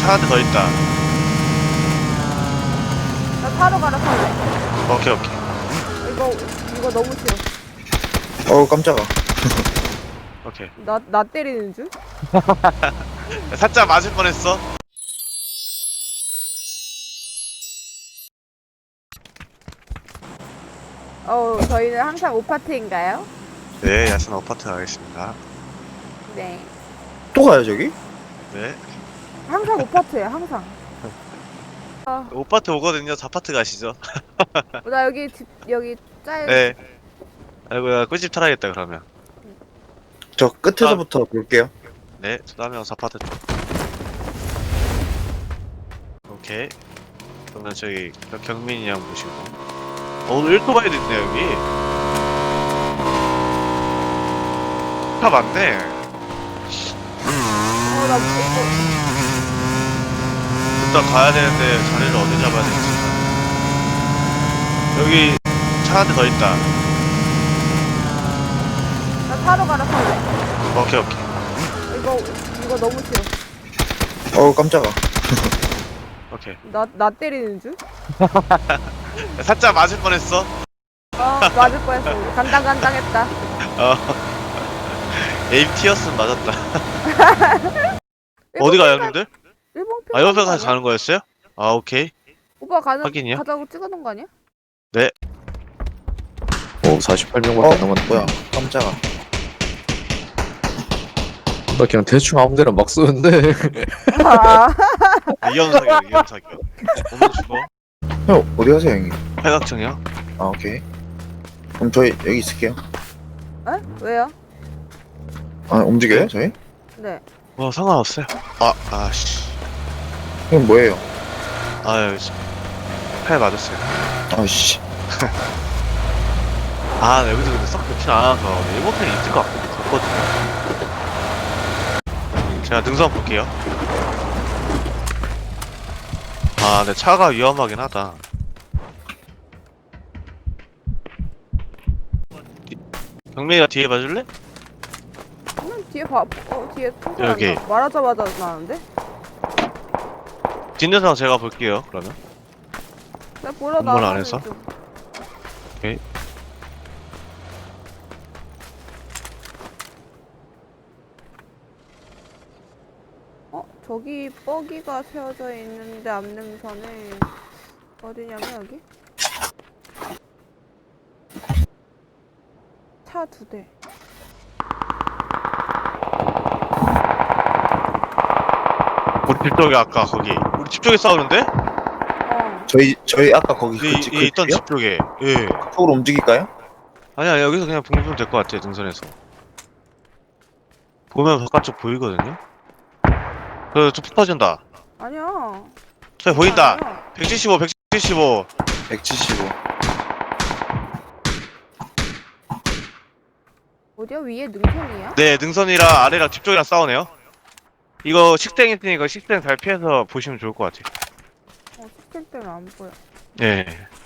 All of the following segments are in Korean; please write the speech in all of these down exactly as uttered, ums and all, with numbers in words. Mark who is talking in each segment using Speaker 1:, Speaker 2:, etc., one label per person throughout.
Speaker 1: 차 한 대 더 있다.
Speaker 2: 나 타러 가라 탈래.
Speaker 1: 오케이 오케이.
Speaker 2: 이거 이거 너무 싫어.
Speaker 3: 어우 깜짝아.
Speaker 1: 오케이.
Speaker 2: 나 나 때리는 줄?
Speaker 1: 살짝 맞을 뻔했어.
Speaker 2: 어 저희는 항상 오파트인가요?
Speaker 1: 네, 야산 아파트 가겠습니다.
Speaker 2: 네.
Speaker 3: 또 가요 저기?
Speaker 1: 네.
Speaker 2: 항상 오파트예요 항상. 아,
Speaker 1: 오파트 오거든요. 사파트 가시죠.
Speaker 2: 나 여기 집 여기 짤.
Speaker 1: 네. 아이고, 야, 꿀집 타야겠다, 그러면.
Speaker 3: 저 끝에서부터 볼게요.
Speaker 1: 네, 저도 하면 사파트 쪽. 오케이. 그러면 저기, 경민이 형 보시고. 어, 오늘 일토바이도 있네, 여기. 차 많네.
Speaker 2: 어, 나 이거
Speaker 1: 일단 가야 되는데, 자리를 어디 잡아야 될지. 여기, 차 한 대 더 있다.
Speaker 2: 나 타러 가라 탈래.
Speaker 1: 오케이, 오케이.
Speaker 2: 이거 이거 너무 싫어.
Speaker 3: 어우 깜짝아.
Speaker 1: 오케이.
Speaker 2: 나 나 때리는 줄?
Speaker 1: 살짝 맞을 뻔했어.
Speaker 2: 어 맞을 뻔했어. 우리. 간당간당했다.
Speaker 1: 어. 에임 티였으면 맞았다. 어디 가요, 형님들?
Speaker 2: 일본 편.
Speaker 1: 아, 옆에 가서 가는 거였어요? 아, 오케이.
Speaker 2: 오빠 가는
Speaker 1: 확인이요?
Speaker 2: 가자고 찍어놓은 거 아니야?
Speaker 4: 오, 사십팔 명밖에 안 남았네.
Speaker 3: 뭐야 깜짝아.
Speaker 4: 나 그냥 대충 아무 데나 막 쏘는데.
Speaker 2: 아,
Speaker 1: 위험 사격, 위험 사격. 오면 죽어.
Speaker 3: 형 어디 가세요 형님?
Speaker 1: 팔각정이요?
Speaker 3: 아 오케이. 그럼 저희 여기 있을게요.
Speaker 2: 에? 왜요?
Speaker 3: 아 움직여요 저희?
Speaker 2: 네.
Speaker 1: 뭐 상관없어요. 아, 아씨.
Speaker 3: 형 뭐예요?
Speaker 1: 아유, 팔 맞았어요.
Speaker 3: 아씨.
Speaker 1: 아, 네, 여기서 근데 썩 좋진 않아서 일본 팬이 있을 것 같- 같거든요. 제가 능선 볼게요. 아, 근데 차가 위험하긴 하다. 경민이가 뒤에 봐줄래?
Speaker 2: 그냥 뒤에 봐. 어 뒤에 통화
Speaker 1: 여기.
Speaker 2: 말하자마자 나는데?
Speaker 1: 뒷능선 제가 볼게요, 그러면.
Speaker 2: 나 보러
Speaker 1: 건물
Speaker 2: 나가는
Speaker 1: 안에서?
Speaker 2: 중.
Speaker 1: 오케이.
Speaker 2: 어 저기 뻐기가 세워져 있는데 앞능선에 어디냐면 여기? 차 두 대.
Speaker 1: 우리 집 쪽에 아까 거기. 우리 집 쪽에 싸우는데?
Speaker 2: 어.
Speaker 3: 저희 저희 아까 거기
Speaker 1: 이,
Speaker 3: 그 집
Speaker 1: 이 있던
Speaker 3: 집이요?
Speaker 1: 집 쪽에. 예.
Speaker 3: 쪽으로 움직일까요?
Speaker 1: 아니야, 아니, 여기서 그냥 보면 될 것 같아요, 등선에서. 보면 바깥쪽 보이거든요? 그, 저 붙어진다.
Speaker 2: 아니야.
Speaker 1: 저기 보인다.
Speaker 2: 아니야.
Speaker 1: 백칠십오, 백칠십오.
Speaker 3: 백칠십오.
Speaker 2: 어디야? 위에 능선이야?
Speaker 1: 네, 능선이랑 아래랑 집 쪽이랑 싸우네요. 이거 식생 있으니까 식생 잘 피해서 보시면 좋을 것 같아요.
Speaker 2: 어 스캔 때문에 안 보여.
Speaker 1: 예.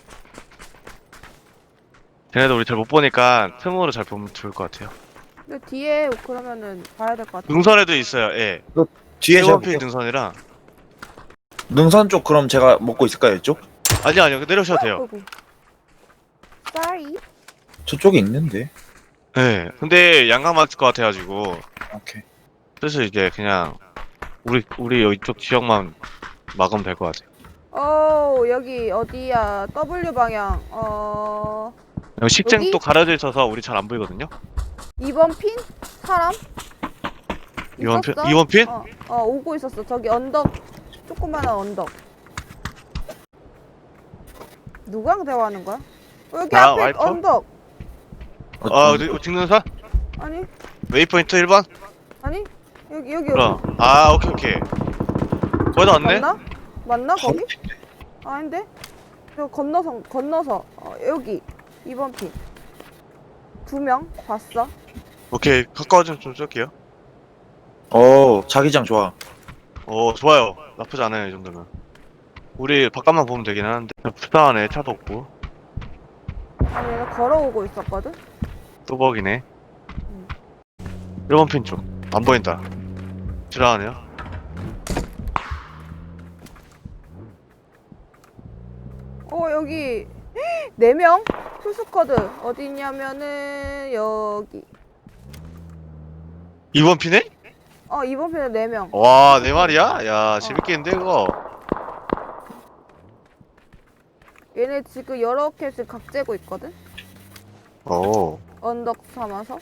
Speaker 1: 쟤네도 우리 잘 못 보니까 틈으로 잘 보면 좋을 것 같아요.
Speaker 2: 근데 뒤에 그러면은 봐야 될 것 같아.
Speaker 1: 능선에도 있어요, 예.
Speaker 3: 뒤에 제가
Speaker 1: 일본필
Speaker 3: 볼게요.
Speaker 1: 능선이랑.
Speaker 3: 능선 쪽 그럼 제가 먹고 있을까요 이쪽?
Speaker 1: 아니요, 아니요. 내려오셔도 돼요.
Speaker 2: 어이구. Sorry.
Speaker 3: 저쪽에 있는데.
Speaker 1: 예. 근데 양강 맞을 것 같아가지고.
Speaker 3: 오케이.
Speaker 1: 그래서 이제 그냥 우리 우리 이쪽 지역만 막으면 될 것 같아요.
Speaker 2: 어 여기 어디야? W 방향. 어
Speaker 1: 여기 식생
Speaker 2: 여기?
Speaker 1: 또 가려져 있어서 우리 잘 안 보이거든요.
Speaker 2: 이 번 핀 사람?
Speaker 1: 이 번 핀?
Speaker 2: 있었어?
Speaker 1: 이 번 핀?
Speaker 2: 어, 어 오고 있었어. 저기 언덕 조그마한 언덕. 누구랑 대화하는 거야? 어, 여기
Speaker 1: 나
Speaker 2: 앞에
Speaker 1: 와이프?
Speaker 2: 언덕.
Speaker 1: 아, 어디 찍는사?
Speaker 2: 아니
Speaker 1: 웨이포인트 일 번?
Speaker 2: 아니 여기 여기
Speaker 1: 그럼.
Speaker 2: 여기.
Speaker 1: 아, 오케이, 오케이. 거의 다 왔네?
Speaker 2: 맞나? 맞나 거기? 아닌데? 저 건너서 건너서 어, 여기 이 번 핀. 두 명 봤어?
Speaker 1: 오케이. 가까워지면 좀 쏠게요.
Speaker 3: 어 자기장 좋아.
Speaker 1: 오, 좋아요. 나쁘지 않아요, 이 정도면. 우리 바깥만 보면 되긴 하는데. 불쌍하네, 차도 없고.
Speaker 2: 아니 얘가 걸어오고 있었거든?
Speaker 1: 뚜벅이네.
Speaker 2: 응.
Speaker 1: 일 번 핀 쪽. 안 보인다. 지나가네요.
Speaker 2: 어 여기 네 명 풀스쿼드 어디 있냐면은 여기.
Speaker 1: 이번 피네?
Speaker 2: 어 이번 편에 네 명.
Speaker 1: 와, 네 마리야? 야, 재밌겠는데, 그거?
Speaker 2: 얘네 지금 여러 캡씩 각 재고 있거든.
Speaker 1: 오.
Speaker 2: 언덕 삼아서.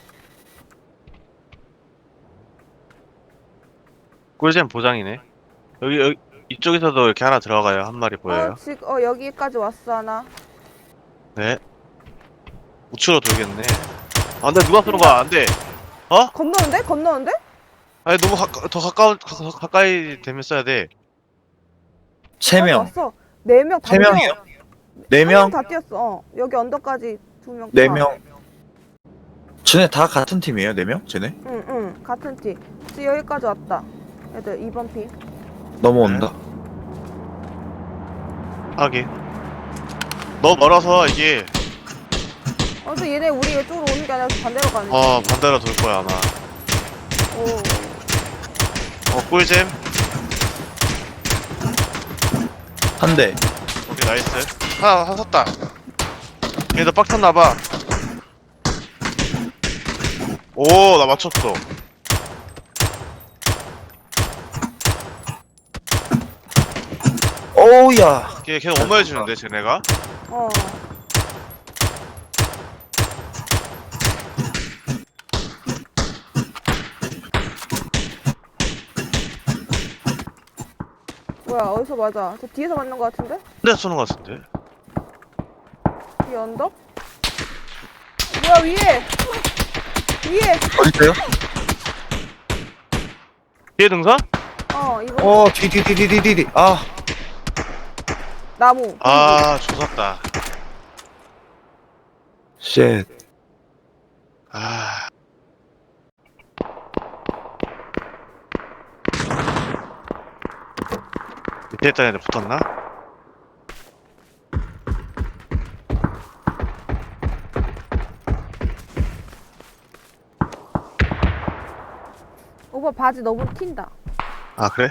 Speaker 1: 꿀잼 보장이네. 여기, 여기, 이쪽에서도 이렇게 하나 들어가요. 한 마리 보여요.
Speaker 2: 어 지금 어 여기까지 왔어 하나.
Speaker 1: 네. 우측으로 돌겠네. 아, 근데 누가 쏘는 거야? 안 돼.
Speaker 2: 건너는데? 건너는데?
Speaker 1: 아니, 너무 가까, 더 가까운, 가, 가- 가까이 되면 써야 돼.
Speaker 3: 세 명.
Speaker 2: 왔어. 네 명 다
Speaker 3: 세 명이요? 네 명?
Speaker 2: 다 뛰었어. 어. 여기 언덕까지 두 명.
Speaker 3: 네 명. 쟤네 다 같은 팀이에요, 네 명? 쟤네?
Speaker 2: 응, 응. 같은 팀. 지금 여기까지 왔다. 애들 이번 피.
Speaker 3: 넘어온다.
Speaker 1: 하긴. 너무 멀어서 이게,
Speaker 2: 어, 근데 얘네 우리 이쪽으로 오는 게 아니라 반대로 가네.
Speaker 1: 어, 반대로 돌 거야, 아마.
Speaker 2: 오.
Speaker 1: 어, 꿀잼.
Speaker 3: 한 대.
Speaker 1: 오케이, 나이스. 하나, 하나 섰다. 얘도 빡 탔나봐. 오, 나 맞췄어.
Speaker 3: 오우야.
Speaker 1: 걔 계속 어머해주는데, 쟤네가?
Speaker 2: 어. 뭐야, 어디서 맞아? 저 뒤에서 맞는 거 같은데?
Speaker 1: 혼자 쏘는 거 같은데?
Speaker 2: 뒤에 언덕? 뭐야, 위에! 위에!
Speaker 3: 어딨어요?
Speaker 1: 뒤에 등산?
Speaker 2: 어, 이거
Speaker 3: 어, 뒤, 뒤, 뒤, 뒤, 뒤, 뒤, 뒤. 아,
Speaker 2: 나무.
Speaker 1: 아, 조졌다.
Speaker 3: 쉣.
Speaker 1: 아. 밑에 있던 애들 붙었나?
Speaker 2: 오빠 바지 너무 튄다.
Speaker 1: 아, 그래?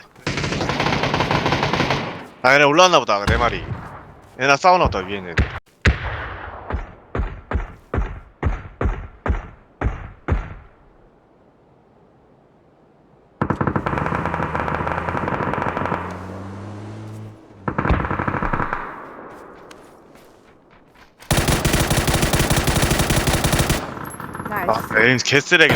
Speaker 1: 아, 얘네 올라왔나 보다, 네 마리. 얘네 싸우나 보다, 위에 있는 애들.
Speaker 2: 나이스.
Speaker 1: 아, 에임 개쓰레기네.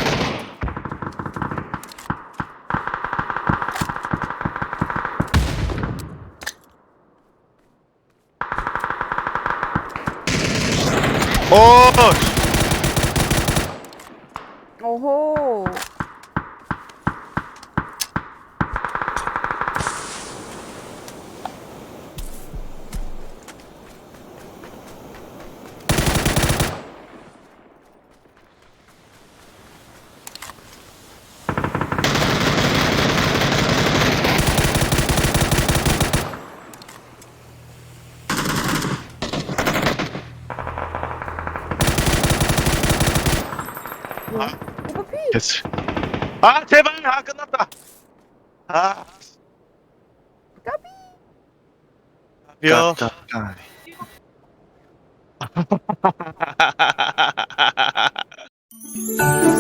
Speaker 1: 오!
Speaker 2: 오호. 오빠 피!
Speaker 1: 개쓰. 아, 제발! 아, 끝났다! 아.
Speaker 2: 까비!
Speaker 1: 뼈.
Speaker 3: 아,